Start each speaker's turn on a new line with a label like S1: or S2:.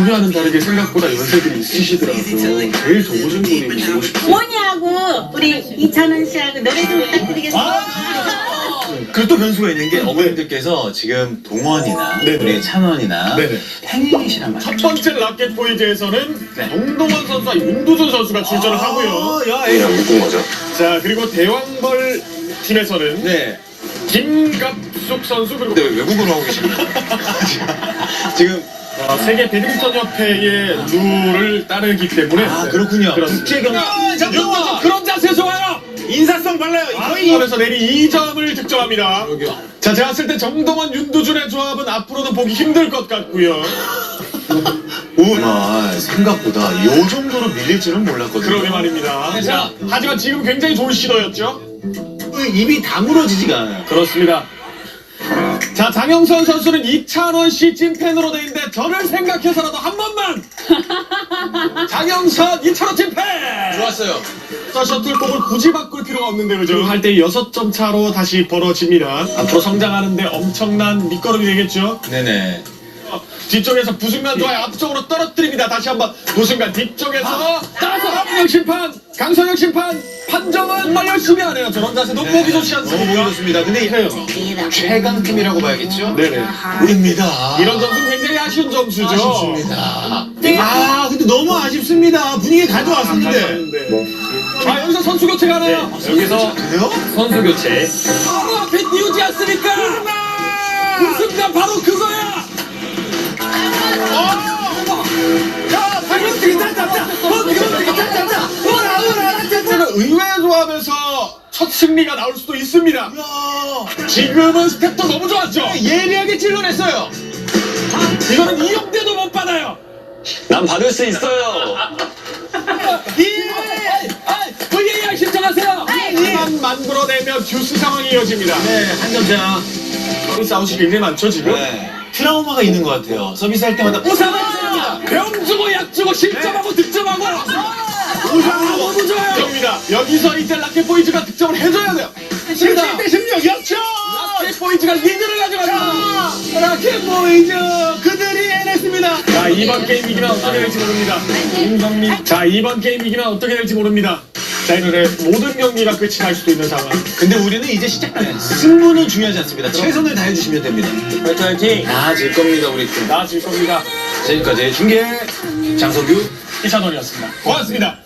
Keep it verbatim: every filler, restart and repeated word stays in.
S1: 전혀와는 다르게 생각보다 연세들이 있으시더라고요. 제일 좋으신 분이 보고 싶어요.
S2: 뭐냐고 우리 이찬원 씨하고 노래 좀 부탁드리겠습니다.
S3: 그리고 또 변수가 있는 게 어머님들께서 지금 동원이나
S1: 네네.
S3: 우리 찬원이나
S1: 네네.
S3: 팬이시란
S1: 첫
S3: 말이에요.
S1: 번째 라켓 보이즈에서는
S3: 네.
S1: 정동원 선수와 윤두준 선수가 출전을 하고요.
S3: 아, 야, 이거 묶은 거죠?
S1: 자, 그리고 대왕벌 팀에서는
S3: 네.
S1: 김갑숙 선수 그리고
S3: 근데 왜 외국어로 하고 계십니까? 지금
S1: 어, 세계 배드민턴 협회의 룰을 따르기 때문에
S3: 아 그렇군요.
S1: 그렇습니다.
S3: 국제 경기.
S1: 윤두준 그런 자세에서 와요.
S3: 인사성 발라요.
S1: 거의 점에서 내리 이 점을 득점합니다.
S3: 여기요.
S1: 자, 제가 봤을 때 정동원, 윤두준의 조합은 앞으로도 보기 힘들 것 같고요.
S3: 정말 생각보다 이 정도로 밀릴 줄은 몰랐거든요.
S1: 그러게 말입니다. 자, 하지만 지금 굉장히 좋은 시도였죠.
S3: 입이 다물어지지가 않아요.
S1: 그렇습니다. 자, 장영선 선수는 이찬원 씨 찐팬으로 돼 있는데 저를 생각해서라도 한 번만 장영선 이찬원 찐팬!
S3: 좋았어요.
S1: 자, 셔틀콕을 굳이 바꿀 필요가 없는데 그죠? 할 때 여섯 점 차로 다시 벌어집니다. 앞으로 성장하는데 엄청난 밑거름이 되겠죠?
S3: 네네.
S1: 뒤쪽에서 부승관 좋아요. 앞쪽으로 떨어뜨립니다. 다시 한번 부승관 뒤쪽에서 따라서 강성혁 심판, 강성혁 심판 판정은 정말 열심히 하네요. 저런 자세 너무 보기 좋지
S3: 너무
S1: 않습니까?
S3: 보기 좋습니다. 근데 최강팀이라고 봐야겠죠?
S1: 네네.
S3: 우리입니다.
S1: 이런 점수는 굉장히 아쉬운 점수죠.
S3: 아쉽습니다. 아 근데 너무 아쉽습니다. 분위기 가져왔었는데.
S1: 가져왔는데. 아, 여기서 선수 교체가 하나요?
S3: 여기서 그래요?
S1: 선수 교체. 바로 앞에 띄우지 않습니까? 그 순간 바로 그거야. 야, 방금 괜찮다. 의외의 조합에서 첫 승리가 나올 수도 있습니다. 지금은 스텝도 너무 좋았죠.
S3: 예리하게 찔러냈어요.
S1: 이거는 이용대도 못 받아요.
S4: 난 받을 수 있어요.
S1: 브이에이알 신청하세요. 만 만들어내면 듀스 상황이 이어집니다.
S3: 네, 한 점차.
S1: 서비스 아웃이 굉장히 많죠 지금.
S3: 네. 트라우마가 있는 것 같아요. 서비스 할 때마다
S1: 우상아! 병 주고 약 주고 실점하고 득점하고 우상아 너무 좋아요. 입니다. 여기서 이제 라켓 보이즈가 득점을 해줘야 돼요.
S3: 십칠 대 십육 역전!
S1: 라켓 보이즈가 리드를 가져갑니다.
S3: 라켓 보이즈 그들이 해냈습니다.
S1: 자, 이번 게임 이기면 어떻게 될지 모릅니다. 임성민. 자, 이번 게임 이기면 어떻게 될지 모릅니다. 자, 이 노래 모든 경기가 끝이 날 수도 있는 상황.
S3: 근데 우리는 이제 시작된 승부는 중요하지 않습니다. 최선을 다해주시면 됩니다.
S1: 화이팅 화이팅.
S3: 나아질 겁니다, 우리 팀.
S1: 나아질 겁니다.
S3: 지금까지 중계 장석규
S1: 이찬원이었습니다. 고맙습니다.